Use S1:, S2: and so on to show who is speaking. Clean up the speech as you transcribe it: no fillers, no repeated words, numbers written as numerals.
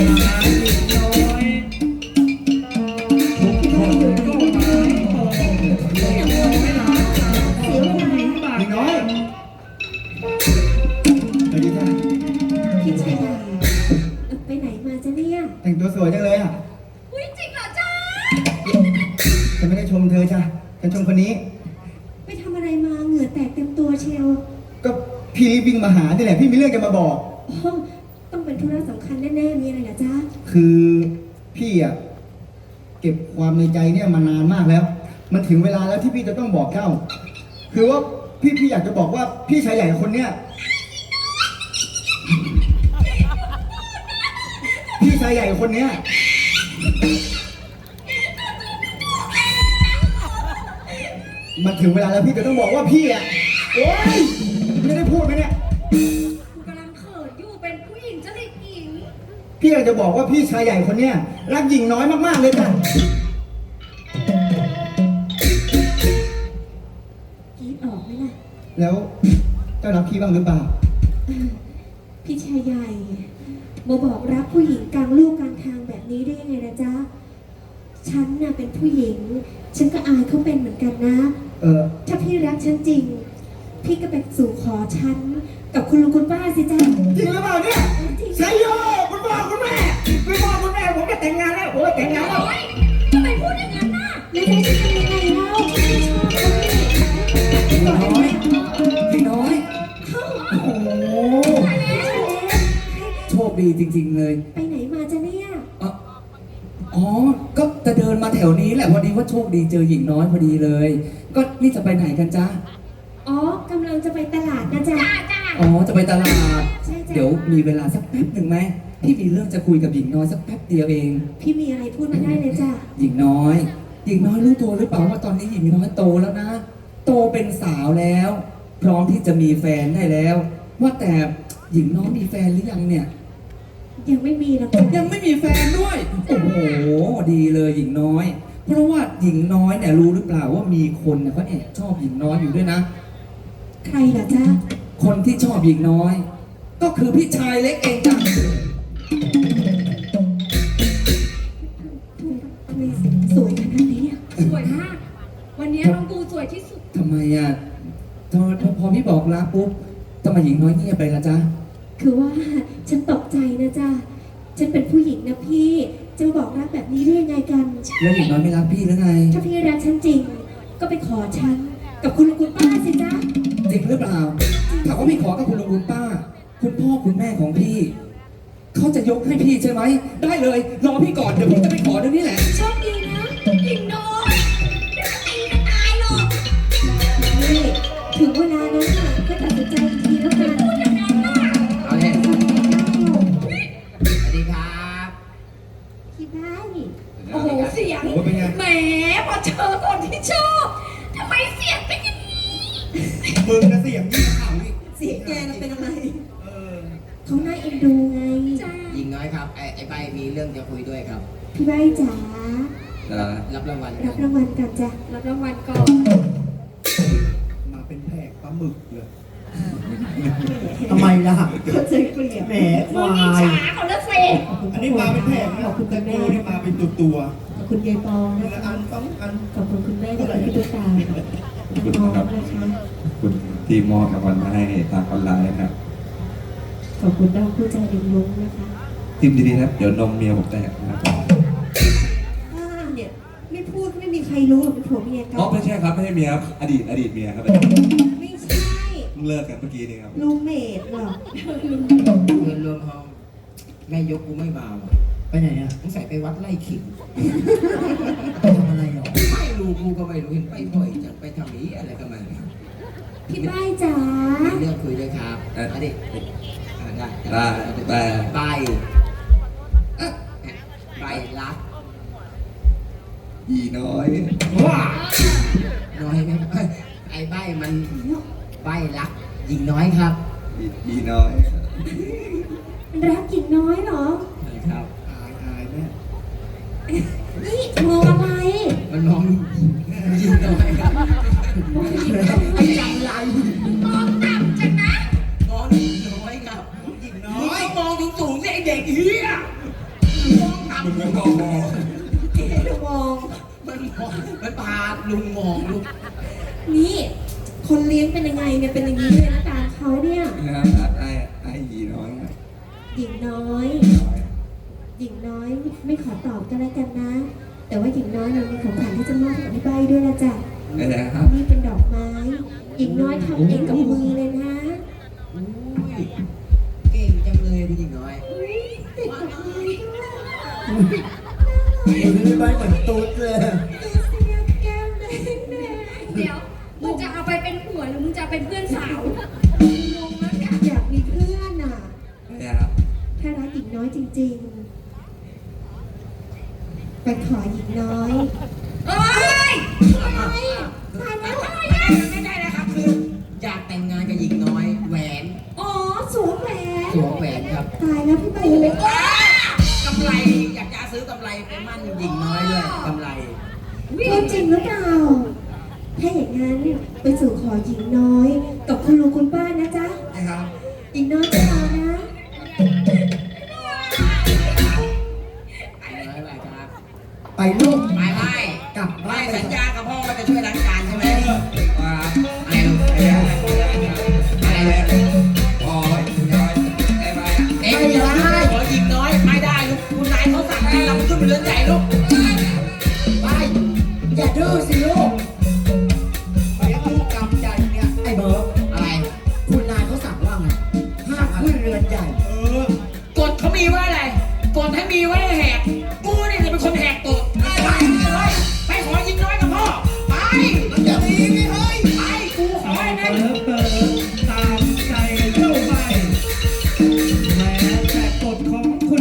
S1: แต่งตัวสวยจังเลยอ่ะ
S2: อุ้ยจริงเหรอจ๊ะ
S1: ฉันไม่ได้ชมเธอจ้ะฉันชมคนนี้
S2: ไปทำอะไรมาเหงื่อแตกเต็มตัวเชียว
S1: ก็พี่รีบวิ่งมาหานี่แหละพี่มีเรื่องจะมาบอก
S2: ต้องเป็นธุระสำคัญแน่ๆมีอะไรเหรอจ๊ะ
S1: คือพี่อ่ะเก็บความในใจเนี่ยมานานมากแล้วมันถึงเวลาแล้วที่พี่จะต้องบอกเจ้าคือว่าพี่อยากจะบอกว่าพี่ชายใหญ่คนเนี้ยพี่ชายใหญ่คนเนี้ยมันถึงเวลาแล้วพี่จะต้องบอกว่าพี่อ่ะโอ๊ยไม่ได้พูดไหมเนี่ย
S2: กำลังเขินอยู่เป็นผู้หญิงจะได้หญิง
S1: พี่อยากจะบอกว่าพี่ชายใหญ่คนเนี้ยรักหญิงน้อยมากๆเลยจ้ะ
S2: คิดออกไหมล่ะ
S1: แล้วเจ้ารักพี่บ้างหรือเปล่า
S2: พี่ชายใหญ่มาบอกรักผู้หญิงกลางลูกกลางทางแบบนี้ได้ยังไงนะจ๊ะฉันน่ะเป็นผู้หญิงฉันก็อายเขาเป็นเหมือนกันนะถ้าพี่รักฉันจริงพี่ก็ไปสู่ขอฉันกับคุณลุงคุณป้าสิจ๊ะ
S1: จริงหรือเปล่าเนี่ยใช่โยคุณพ่อคุณแม่คุณพ่อคุณแม่ผมจะแต่งงานแล้วโอ้ยแต่งงานแล้ว
S2: ทำไมพูดอย่างนั้นน่ะไม่ใช่ฉันทำยังไงเล่าฉันไม่ชอบเขา
S3: พี่น้อยโอ้โหโชคดีจริงๆเลย
S2: ไปไหนมาจ๊ะเนี่ย
S3: อ๋อก็จะเดินมาแถวนี้แหละพอดีว่าโชคดีเจอหญิงน้อยพอดีเลยก็นี่จะไปไหนกันจ๊ะ
S2: อ๋อกำลังจะไปตลาดนะจ๊ะ
S3: อ๋อจะไปตลาด
S2: ใช่
S3: เดี๋ยวมีเวลาสักแป๊บหนึ่งไหมพี่มีเรื่องจะคุยกับหญิงน้อยสักแป๊บเดียวเอง
S2: พี่มีอะไรพูดมาได้เลยจ้ะ
S3: หญิงน้อยรู้ตัวหรือเปล่าว่าตอนนี้หญิงน้อยโตแล้วนะโตเป็นสาวแล้วพร้อมที่จะมีแฟนได้แล้วว่าแต่หญิงน้อยมีแฟนหรือยังเนี่ย
S2: ยังไม่มีนะ
S3: ยังไม่มีแฟนด้วยโอ้โหดีเลยหญิงน้อยเพราะว่าหญิงน้อยเนี่ยรู้หรือเปล่าว่ามีคนเนี่ยเขาแอบชอบหญิงน้อยอยู่ด้วยนะ
S2: ใครล่ะจ๊ะ
S3: คนที่ชอบหญิงน้อยก็คือพี่ชายเล็กเองจ้ะ
S2: ทำไมสวยขนาดนี้สวยมากวันนี้น้องกูสวยที่สุด
S3: ทำไมอ่ะพอพี่บอกลาปุ๊บทำไมหญิงน้อยเงียบไปละจ๊ะ
S2: คือว่าฉันตกใจนะจ๊ะฉันเป็นผู้หญิงนะพี่จะมาบอกรักแบบนี้ได้ยังไงกัน
S3: แล้วหญิงน้อยไม่รักพี่หรือไง
S2: ถ้าพี่รักฉันจริงก็ไปขอฉันกับคุณลุงคุณป้าสิจ๊ะ
S3: จริงหรือเปล่าถามว่าพี่ขอกับคุณลุงคุณป้าคุณพ่อคุณแม่ของพี่เขาจะยกให้พี่ใช่ไหมได้เลยรอพี่ก่อนเดี๋ยวพี่จะไปขอเดี๋ยวนี้แหละ
S2: โชคดีนะหญิงน้อยเดี๋ยวตีกันตายหรอกนี่ถึงเวลานั้นน่ะก็ตัดสินใจทีแล้วกันพูดอย่างนั้นน่ะ
S4: เอาเลยสวัสดีครับ
S2: พี่บ้านโอ้โหเสียงแหมพอเจอคนที่ชอบทำไมเสียงเป็นอย่างนี้
S1: มึงนะเสียงยิ่งข่าวนี่
S2: เสียงแกน่ะเป็นอะไรเขาน่าเอ็นดูไง
S4: หญิงน้อยครับไอ้ใบมีเรื่องจะคุยด้วยครับ
S2: พี่ใบจ๋า
S4: รับรางวัล
S2: กันจ้ะรับรางวัลก่อน
S1: มาเป็นแผงปลาหมึกเลยทำไมล่ะ
S2: เขาใจเกลียด
S1: แหมควาย
S2: เขาละเซ
S1: อันนี้มาเป็นแผงขอบคุณคุณแม่ที่มาเป็นตัว
S2: ขอบคุณยายปองนะคะ
S1: อัน2 อัน
S2: ขอบคุณคุณแม่ที่พี่ตุ๊กตา
S5: ขอบคุณครับคุณที่มอบรางวัลมาให้ทางออนไลน์นะครับ
S2: ขอบคุณดาวผู้ใจดึงลุงนะคะ
S5: ทิมดีๆนะเดี๋ยวนมเมียผมแตกนะครับ
S2: เนี่ยไม่พูดไม่มีใครรู้หรอกเป็นผัวเมียกัน
S5: ไม่ใช่ครับไม่ใช่เมียครับอดีตเมียครับ
S2: ไม่ใช่
S5: เลิกกันเมื่อกี้นี่ครับ
S2: ลูกเมดหรอ
S4: เงินรวมห้องแม่ยกกูไม่มา
S1: ไปไหนอ่ะ
S4: ต้องใส่ไปวัดไร่ขิง
S1: ไปทำอะไรหรอ
S4: ไม่รู้กูก็ไม่รู้เห็นไปบ่อยจังไปทำนี้อะไรกันมา
S2: พี่ใบจ๋า
S4: เรื่องคุยด้วยครับอดีตใบรัก
S5: อีน้อย
S4: ว้าน้อยไหมไอ้ใบมันใบรักหญิงน้อยครับ
S5: อีน้อย
S2: รักหญิงน้อยเหรอ
S4: ใช่ครับ
S1: อายแม่
S2: นี่มองอะไร
S4: มันมองหญิงน้อยครับไอ้จังไรมองต่ำจังนะมองหญิงน้อยครับหญิงน้อยมองสูงๆสิไอ้เด็กเฮียมองต่ำ
S5: มึงไม่บอกมอง
S2: มอง
S4: มันพาลุงมองลูก
S2: นี่ คนเลี้ยงเป็นยังไงเนี่ย เป็นอย่างนี้เลยนะตาเขาเนี่ย
S5: นะครับไอ้ยีน้อยนะ
S2: หญิงน้อย หญิงน้อยไม่ขอตอบก็แล้วกันนะ แต่ว่าหญิงน้อยเนี่ยมีของขวัญที่จะมอบให้กับพี่ใบด้วยนะจ๊ะ
S5: นะครับ
S2: นี่เป็นดอกไม้ หญิงน้อยทำเองกับมือเลยนะ
S4: อุ้ยเก่งจังเลยคุณหญิงน้อย
S2: ติดกับมือด้วย
S1: พี่ใบเหมือนตุ๊ดเลย
S2: เสียแก้มแดงแดง
S6: เดี๋ยว มึงจะเอาไปเป็นผัวหรือมึงจะเอาเป็นเพื่อนสาวงงแล้วเนี่ย
S2: อยากมีเพื่อนอ่ะ
S5: นะครับ
S2: ถ้ารักหญิงน้อยจริงๆ ไปขอหญิงน้อย
S6: เอ้ย
S2: ตายแล้ว
S4: ไม่ได้นะครับคืออยากแต่งงานกับหญิงน้อยแหวน
S2: อ๋อสวมแหวน
S4: สวมแหวนครับ
S2: ตายแล้วพี่ใบจะไป
S4: กำไรอยากจะซื้อกำไรไปมั่นหญิงน้อยด้วยกำไร
S2: พูดจริงหรือเปล่า ถ้าอย่างนั้นไปสู่ขอหญิงน้อย กับคุณลุงคุณป้านะจ๊ะ
S4: นะครับ
S2: หญิงน้อยจะรอนะ
S4: ไปเลยไปครับ
S1: ไปลูก
S4: ไปไล่
S1: กลับ
S4: ไล่
S1: บ้าน
S4: สัญญากับพ่อว่าจะช่วยล้างจานใช่ไหมว่าอะไรลูกอะไรลูก
S5: พอน้อยไอ้ใบ
S4: เอ็งอย่าได้ขอหญิงน้อยไม่ได้ลูกคุณนายเขาสั่งให้เราขึ้นไปเรือนใหญ่ลูก
S1: ไปอย่าดื้อสิลูกเลี้ยงลูกกำใหญ่เนี่ยไอ้เบิร์ด
S4: อะไร
S1: คุณนายเขาสั่งว่าไงห้ามขึ้นเรือนใหญ่
S4: กฎเขามีไว้อะไรกฎให้มีไว้